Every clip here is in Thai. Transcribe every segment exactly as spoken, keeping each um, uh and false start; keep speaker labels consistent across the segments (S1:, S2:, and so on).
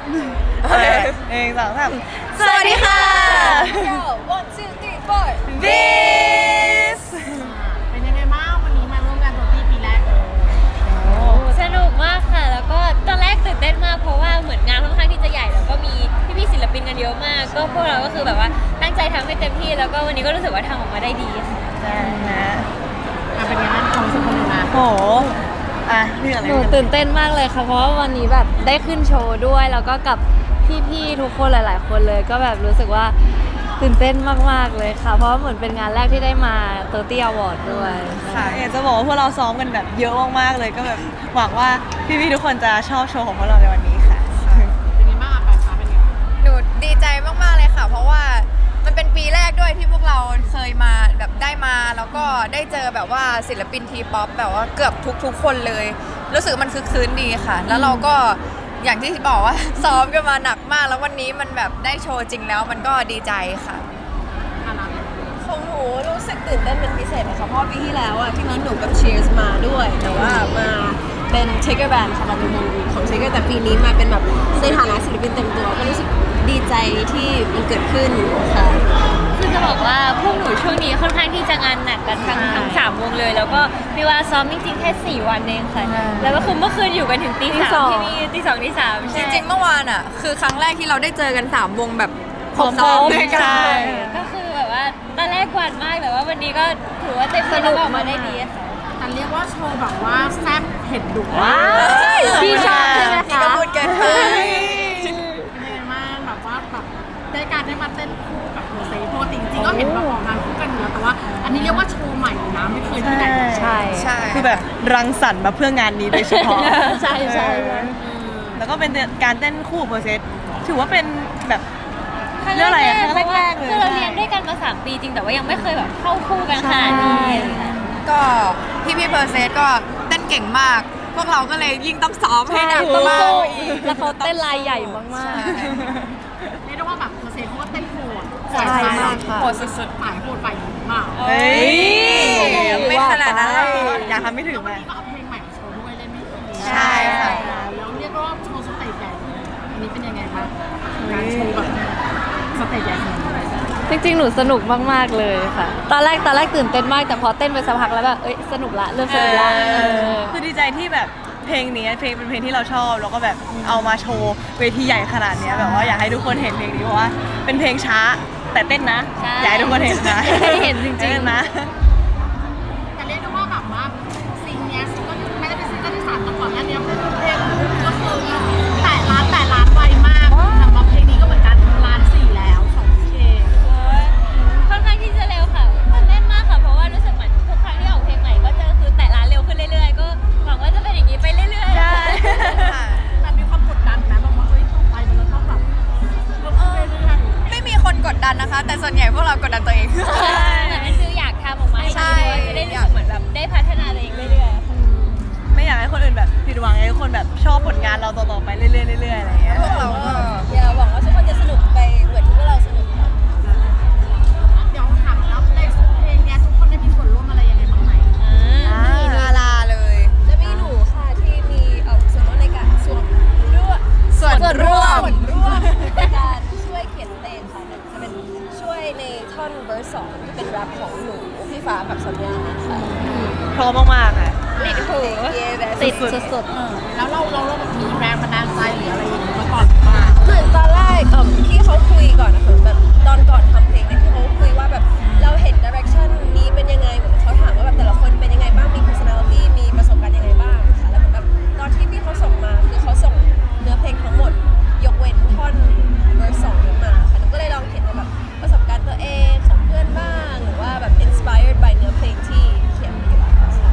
S1: เองสองสาม
S2: สวัสดีค่ะ
S3: one two three four
S1: บิส
S4: เป็นยังไงบ้างวันนี้มาร่วมงานตัวตี้ปีแรกเลย
S2: สนุกมากค่ะ แล้วก็ตอนแรกตื่นเต้นมากเพราะว่าเหมือนงานค่อนข้างที่จะใหญ่แล้วก็มีพี่ๆศิลปินกันเยอะมาก ก็พวกเราก็คือแบบว่าตั้งใจทำให้เต็มที่แล้วก็วันนี้ก็รู้สึกว่าทำออกมาได้ดีค่ะ
S1: ใช่นะ
S4: อ่ะเป็นยังไงบ้างความรู้สึกคนหนึ่งนะ
S1: โหอ่ะเรื่องอะไร
S5: หนูตื่นเต้นมากเลยค่ะเพราะว่าวันนี้แบบได้ขึ้นโชว์ด้วยแล้วก็กับพี่ๆทุกคนหลาย ๆ คนเลยก็แบบรู้สึกว่าตื่นเต้นมากๆเลยค่ะ เพราะว่าเหมือนเป็นงานแรกที่ได้มาเตอร์ตี้อวอร์ดด้วย
S1: ค่ะอยากจะบอกว่าพวกเราซ้อมกันแบบเยอะมากๆเลยก็แบบหวังว่าพี่ๆทุกคนจะชอบโชว์ของพวกเราในวันนี้ค่ะ
S4: เป็นยังไงบ้างอ่ะปลายฟ้าเป็นยังไงบ้าง
S3: หนูดีใจมากๆเลยค่ะ เพราะว่ามันเป็นปีแรกด้วยที่พวกเราเคยมาแบบได้มาแล้วก็ได้เจอแบบว่าศิลปินทีป๊อปแบบว่าเกือบทุกๆคนเลย รู้สึกมันคือคืนดีค่ะ แล้วเราก็อย่างที่บอกว่า ซ้อมกันมาหนักมาก แล้ววันนี้มันแบบได้โชว์จริงแล้วมันก็ดีใจค่ะ
S4: อ่ะนะ
S6: ของหนูรู้สึกตื่นเต้นเป็นพิเศษนะคะเพราะปีที่แล้วอ่ะที่นี้หนูกับ Cheers มาด้วย แต่ว่ามาเป็น Tiger Band ค่ะมาเป็นวงของ Tiger แต่ปีนี้มาเป็นแบบในฐานะศิลปินเต็มตัวก็รู้สึกดีใจที่มันเกิดขึ้นค่ะ
S2: คือจะบอกว่าพวกหนูช่วงนี้ค่อนข้างที่จะงานหนักกันทั้งทั้งสามวงเลย แล้วก็มีเวลาซ้อมจริงๆแค่สี่วันเองค่ะแล้วก็คือเมื่อคืนอยู่กันถึงตีสามที่นี่ตีสองตีสาม
S3: จริงๆเมื่อวานอ่ะคือครั้งแรกที่เราได้เจอกันสามวงแบบ
S1: พร้อมๆ
S3: ซ้อมด้วยกัน
S1: ใช่
S2: ก็คือแบบว่าตอนแรกหวานมากแต่ว่าวันนี้ก็ถือว่าเต็มที่แล้วก็ออกมาได้ดีค่ะ
S4: แต่เรียกว่าโชว์แบบว่าแซ่บเผ็ดดุ
S1: ว้าว
S5: พี่ชอบใช่ไหม
S3: นี่
S5: คะ
S3: ก็พูดเกินไป
S4: เป็นยังไงบ้างแบบว่าแบบได้การได้มาเต้นคู่กับโรเซ่ปกติจริงๆก็เห็นแบบออกงานคู่กันอยู่แล้วแต่ว่า อันนี้เรียกว่าโชว์ใหม่เลยนะไม่เคยที่ไหน
S5: ใช่
S3: ใช่
S1: คือแบบรังสรรค์มาเพื่องานนี้โดยเฉพาะ
S5: ใช่ใช่ใช่
S1: แล้วก็เป็นการเต้นคู่เพอร์เซสถือว่าเป็นแบบ
S2: ครั้ง
S1: เรื่องอะไรอะ
S2: แรก
S1: ครั้งแรกๆเลย
S2: คือเราเรียนด้วยกันมาสามปีจริงแต่ว่ายังไม่เคยแบบเข้าคู่กันขนาดนี้
S3: ก็พี่พี่เพอร์เซสก็เต้นเก่งมาก พวกเราก็เลยยิ่งต้องซ้อมให้หนัก
S5: ใช่
S3: มาก
S5: สู้
S3: กว่าอีก
S5: แล้วเขาเต้นลายใหญ่มาก
S4: เรียกได้ว่าแบบโรเซ่เขาก็เต้นโหด
S5: ใช่มากค่ะ
S4: โหดสุดๆฝ่ายโหดฝ่ายหญิงมาก
S1: เฮ้ย
S3: ไม่ขนาดนั้นหรอก
S1: อยากทำไม่ถึง
S4: แล้ววัน
S1: มา
S4: นี้ก็เอาเพลงใหม่มาโชว์ด้วยเล่นไม่ดี
S3: ใช่ค่ะ
S4: แล้วเรียกว่าโชว์สเตจใหญ่เลยอันนี้เป็นยังไงบ้างการโชว์แบบสเตจใหญ่ขนาดนี้
S5: ๆ จริงๆ หนูสนุกมากๆเลยค่ะ ตอนแรกตอนแรกตื่นเต้นมากแต่พอเต้นไปสักพักแล้วแบบเอ้ยสนุกละเริ่มสนุกละเออ
S1: คือดีใจที่แบบเพลงนี้เพลงเป็นเพลงที่เราชอบแล้วก็แบบเอามาโชว์เวทีใหญ่ขนาดเนี้ยแบบว่าอยากให้ทุกคนเห็นเพลงนี้เพราะว่าเป็นเพลงช้าแต่เต้นนะ
S2: ใช่
S1: อยากให้ทุกคนเห็นนะ
S5: ให้เห็นจริงๆ
S1: เต้นนะ
S4: แต่เรียกได้ว่าแบบว่าซิงเนี้ยซิงเก็ไม่ได้เป็นซิงเกิลที่สามแต่ก่อนหน้านี้เพลงก็คือแต่ล้านแต่ล้านไวมากแต่ว่าเพลงนี้ก็เหมือนกันล้านสี่แล้วสองเพลง
S2: ค่อนข้างที่จะเร็วค่ะตื่นเต้นมากค่ะเพราะว่ารู้สึกเหมือนทุกครั้งที่ออกเพลงใหม่ก็จะคือแตะร้านเร็วขึ้นเรื่อยๆก็หวังว่าจะเป็นอย่างนี้ไปเรื่อยๆ
S1: ใช่
S3: ค่ะ
S4: แต่มีความกดดันนะแบบว่าเฮ้ยต่อไปมันจะต้องแบบเพิ่มขึ้นเรื่อย
S3: ไม่มีคนกดดันนะคะ แต่ส่วนใหญ่พวกเรากดดันตัวเอง
S2: เหมือนเป็นฟิลอยากทำออกมาให้
S3: ใช่
S2: ดีด้วยจะได้รู้สึกเหมือนแบบได้พัฒนาตัวเองเรื่อยๆค่ะ
S1: ไม่อยากให้คนอื่นแบบผิดหวังอยากให้ทุกคนแบบชอบผลงานเราต่อๆไปเรื่อยๆเรื่อยๆอะไรอย่างเงี้ย
S3: พวกเราก็
S6: อย่าหวังว่าทุกคนจะสนุกไปเหมือนที่พวกเราสนุกค่ะ
S4: ๆเดี๋ยวถามแล้วในเพลงเนี้ยทุกคนได้มีส่วนร่วมอะไรยังไงบ้างไหม
S3: มีดาราเลย
S6: จะมีหนูค่ะที่มีเอ่อส่วนร่วมในการส่วนร่วม
S3: ส่วนร่วม
S6: ส่วนร่วมในการช่วยเขียนเพลงค่ะจะเป็นช่วยในท่อนเวอร์สองที่เป็นแรปของหนูพี่ฟ้ากับสัญญาค่ะ
S1: พร้อมมากๆค่ะ
S2: ติดหู
S6: เย้แบบ
S5: ติดสุด
S4: แล้วเราเราเราแบบมีแรงบันดาลใจหรืออะไรอย่างเงี้ยมาก่อนหรือเปล่า
S6: เหมือนตอนแรกเอ่อที่เขาคุยก่อนนะคะแบบตอนก่อนทำเพลงเนี่ยที่เขาคุยว่าแบบเราเห็นดิเรกชันนี้เป็นยังไงเหมือนเขาถามว่าแบบแต่ละคนเป็นยังไงบ้างมี personality มีประสบการณ์ยังไงบ้างค่ะแล้วเหมือนแบบตอนที่พี่เขาส่งมาคือเขาส่งเนื้อเพลงทั้งหมด ยกเว้นท่อนเวอร์สองนี้มาค่ะหนูก็เลยลองเขียนแบบประสบการณ์ตัวเองของเพื่อนบ้างหรือว่าแบบ inspired by เนื้อเพลงที่เขียนมาอยู่แล้วค่ะ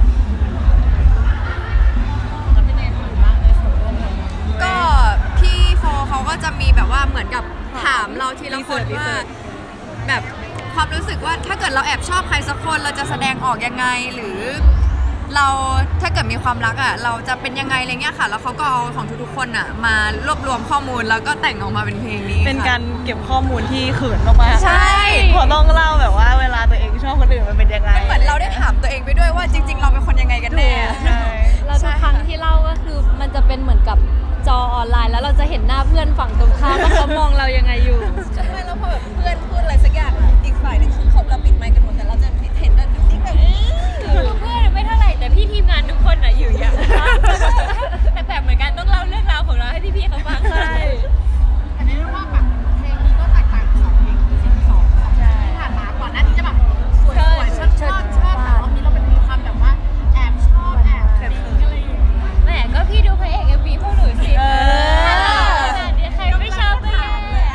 S4: แล้วเป็นยังไงบ้างในส่วนร่วมกัน
S3: ก็พี่โฟเขาก็จะมีแบบว่าเหมือนกับถามเราทีละคน
S1: รีเสิ
S3: ว่า
S1: ร์ช
S3: แบบความรู้สึกว่าถ้าเกิดเราแอบชอบใครสักคนเราจะแสดงออกยังไงหรือ เราถ้าเกิดมีความรักอ่ะเราจะเป็นยังไงอะไรเงี้ยค่ะ แล้วเขาก็เอาของทุกๆคนอ่ะมารวบรวมข้อมูลแล้วก็แต่งออกมาเป็นเพลงนี้
S1: เป็น
S3: ค่ะ
S1: การเก็บข้อมูลที่เขินมากๆ
S3: ใช่
S1: พอต้องเล่าแบบว่าเวลาตัวเองชอบคนอื่นมันเป็นยังไง
S3: เหมือนเราได้ถามตัวเองไปด้วยว่าจริง ๆ เราเป็นคนยังไงกันแน่
S1: ใช่
S5: ๆแล้วทุกครั้งที่เล่าก็คือมันจะเป็นเหมือนกับจอออนไลน์ แล้วเราจะเห็นหน้าเพื่อนฝั่งตรงข้ามว่าเขามองเรายังไงอยู่
S6: ใช่แล้วพอแบบเพื่อนพูดอะไรสักอย่างอะอีกฝ่ายหนึงคือเขาเราปิดไมค์กันหมดแต่เราจะเห็นแบบติ๊กแบบ
S2: คือเพื่อนไม่เท่าไหร่แต่พี่ทีมงานทุกคนอ่ะอยู่อย่างแต่แบบเหมือนกันต้องเล่าเรื่องราวของเราให้พี่ๆเขาฟังใช่
S4: อันนี้เรียกว่าแบบเพลงนี้ก็แตกต่างจากสองเพลงที่สองที่ผ่านมาก่อนหน้านี้จะแบบสวยๆชอบชอบชอบแต่ว่ามีเราเป็นมีความแบบว่าแอบชอบแอบปิ๊งอะไรอย่างเงี้ย
S2: แหมก็พี่ดูพระเอกเอ็มวีพวกหนูสิ
S1: เออ
S2: เดี๋ยวใครไม่ชอบก็แย่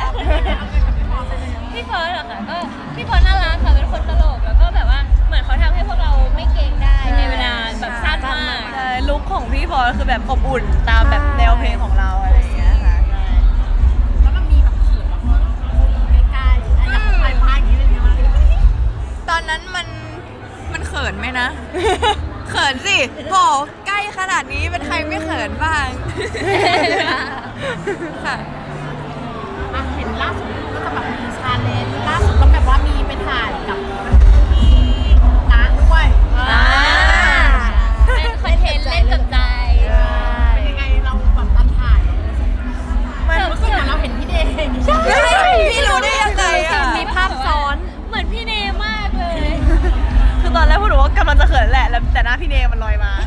S2: พี่เฟิร์สเหรอคะก็พี่เฟิร์สน่ารักค่ะเป็นคนตลกแล้วก็แบบว่าเหมือนเขาทำให้พวกเราไม่เกรงได้ในเวลาแบบสั้นมาก
S1: ใช่ลุคของพี่พลอยคือแบบอบอุ่นตามแบบแนวเพลงของเราอะไรอย่างเงี้ยค่ะ
S4: แล้วมันมีแบบเขินแบบใกล้ๆไอ้อย่างปลายปลายอย่างนี้เป็นยังไงบ้าง
S3: ตอนนั้นมันมันเขินไหมนะ เขินสิบอกใกล้ขนาดนี้เป็นใครไม่เขินบ้าง ค่ะ
S4: อ่ะเห็นล่าสุดก็จะแบบมีชาเลนจ์ล่าสุดก็แบบว่ามีไปถ่ายกับพี่น้าด้วย
S2: อ่าเป็นคอนเทนต์เล่นกับใจ
S4: เป็นยังไงเราแบบตอนถ่าย
S1: มัน
S4: รู้สึกเหมือนเราเห็นพี่เดย์อย่างนี้
S3: พี่รู้ได้ยังไงอ่ะ
S5: มีภาพซ้อน
S2: เหมือนพี่เนมากเลย
S1: คือตอนแรกพูดว่ากำลังจะเขินแหละแล้วแต่หน้าพี่เนมันลอยมา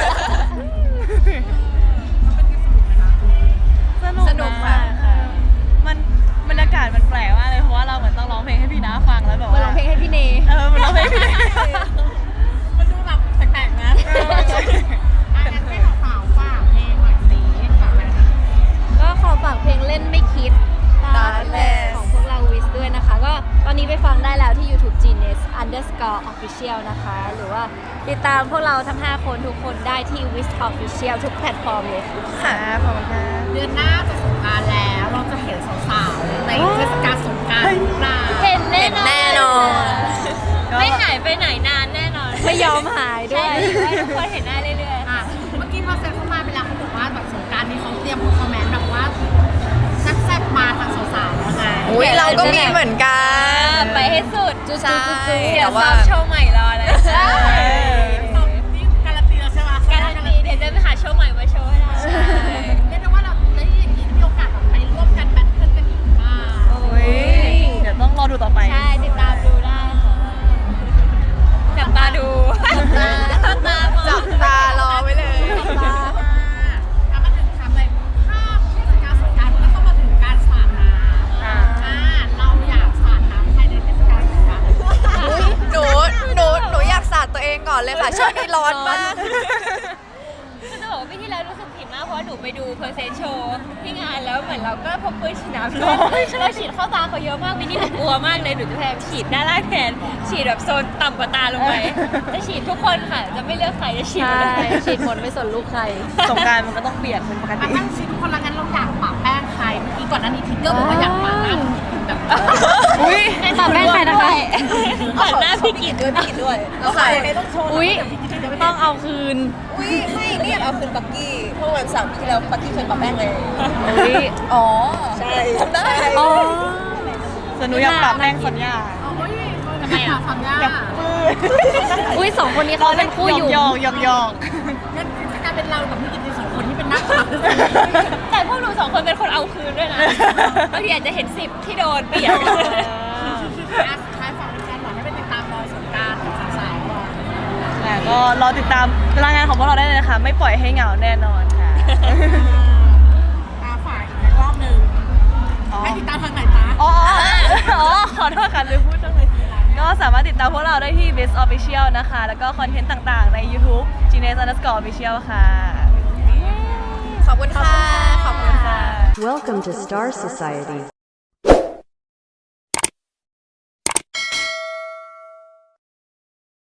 S1: สนุก
S3: สนุกค่ะ
S1: มากค่ะมันบรรยากาศมันแปลกมากเลยเพราะว่าเราเหมือนต้องร้องเพลงให้พี่น้าฟังแล้วแบบ
S5: มา
S1: ว่า
S5: ร้องเพลงให้พี่เน
S1: เออมันร้องเพลงให้พี่เน
S4: มันดูแบบแปลกๆนะอ่ะงั้นให้สาวๆฝากเพลงหน่อยสิฝากอะไรนะ
S5: ก็ขอฝากเพลงเล่นไม่คิด
S3: ตาแล
S5: ของพวกเราวิสด้วยนะคะ ก็ตอนนี้ไปฟังได้แล้วที่ YouTube Genius underscore official นะคะ หรือว่าติดตามพวกเราทั้ง ห้า คนทุกคนได้ที่ Wish Official ทุกแพลตฟอร์มเลยค่ะ
S1: ค่ะขอบคุณค่ะ
S4: เดือนหน้าจะสงกรานต์แล้ว เราจะเห็นสาวๆในเทศกาลสงกรานต์หรือเปล่า
S2: เห็นแน่นอน
S3: แน่นอน
S2: ไม่หายไปไหนนานแน่นอน
S5: ไม่ยอมหายด้
S2: ใช่
S5: วย
S2: ให้ทุกคนเห็นได้เรื่อยๆ
S4: อ่ะเมื่อกี้พอเซ็นเข้ามาไปแล้วเขาบอกว่าแบบสงกรานต์นี้เขาเตรียมเพอร์ฟอร์แมนซ์แบบว่าแซ่บๆมาทางสาวๆแล้วไง
S3: อุ้ยเราก็มีเหมือนกั
S2: อ่าน ไปให้สุด
S3: ใช่
S2: เดี๋ยว
S3: แต่ว่า
S2: ซ้อมโชว์ใหม่รอเลย
S1: ใช่
S4: นี่การันตีแล้วใช่ไหม
S2: การันตีเดี๋ยวจะไปหาโชว์ใหม่มาโชว์ให้ได้
S4: เรียกได้ว่าเราได้อย่างนี้มีโอกาสแบบไปร่วมกันแบทเทิลกันอีกมาก
S1: อุ๊ยเดี๋ยวต้องรอดูต่อไป
S2: ใช่ติดตามดูได้ค่ะจับตาดูจับตามอง
S3: จับตารอไว้เลย
S4: แล้วมาถึงทำอะไรถ้าเทศกาลสงกรานต์มันก็ต้องมาถึงการสาดน้ำ
S1: อ่า
S4: อ่าเราอยากสาดน้ำใครในเทศกาลสงกรานต์
S3: หนู หนู หนูอยากสาดตัวเองก่อนเลยค่ะ ช่วงนี้ร้อนมาก
S2: คือจะบอกว่าปีที่แล้วรู้สึกผิดมากเพราะว่าหนูไปดูเพอร์เซนต์โชว์ที่งานแล้วเหมือนเราก็พกปืนฉีดน้ำเราฉีดเข้าตาเขาเยอะมากปีนี้หนูกลัวมากเลยหนูจะพยายามฉีดด้านล่างแทนฉีดแบบโซนต่ำกว่าตาลงไปจะฉีดทุกคนค่ะจะไม่เลือกใครจะฉีดหม
S5: ใช่
S2: ดเลย
S5: ฉีดหมดไม่สนลูกใคร
S1: สงกรารมันก็ต้องเปียกเป็นปก
S4: อ่ะ
S1: ติ
S4: ตั้งชิ้นคนละงั้นเราอยากปะแป้งใครเมื่อกี้ก่อนหน้านี้ทิกเกอร์บอกว่าอยากปะหน้าแบบ
S1: อุ้ย
S5: ปะแป้งใครนะคะ
S2: ผ่านหน้าพี่กิต
S6: ด้วยพี่กิตด้วยเอา
S3: ใคร
S6: ใคร
S4: ต้องโชว์
S5: อุ๊ย ต้องเอาคืน
S6: อุ้ยไม่นี่อยากเอาคืนปักกี้เมื่อวันเสาร์ที่แล้วปักกี้เคยปะแป้งเลย
S5: อุ๊ย
S3: อ๋อ
S6: ใช่ทำได้
S5: อ๋อ
S1: สนุกอยากปรับแป้งสัญญา
S4: โอ้ยทำไมอ่ะทำยาก
S1: อยากปื้อ
S5: อุ้ยสองคนนี้เขาเป็นคู่อยู่
S1: หยอกหยอกหยอก
S4: งั้นจะกลายเป็นเรากับพี่กิตในสองคนที่เป็นนักขับ
S2: แต่พวกหนูสองคนเป็นคนเอาคืนด้วยนะบางทีอาจจะเห็นสิบที่โดนเปลี่ยน
S4: อ่ะสุดท้ายฝากแฟนๆหน่อยให้ไปติดตามรอยสงกรานต์ของสาวๆก่อน
S1: ค่ะก็รอติดตามรายงานของพวกเราได้เลยนะคะ ไม่ปล่อยให้เหงาแน่นอนค่ะ
S4: ตาฝ่ายอีกรอบหนึ่ง
S1: อ๋อ
S4: ให้ติดตามทางไหนตา
S1: อ๋ออ๋อขอโทษค่ะลืมพูดจังเลยก็สามารถติดตามพวกเราได้ที่ Best Official นะคะ แล้วก็คอนเทนต์ต่างๆใน YouTube Genius underscore official ค่ะ
S3: ขอบคุณค่ะ ขอบคุณค่ะ
S7: Welcome to Star Society.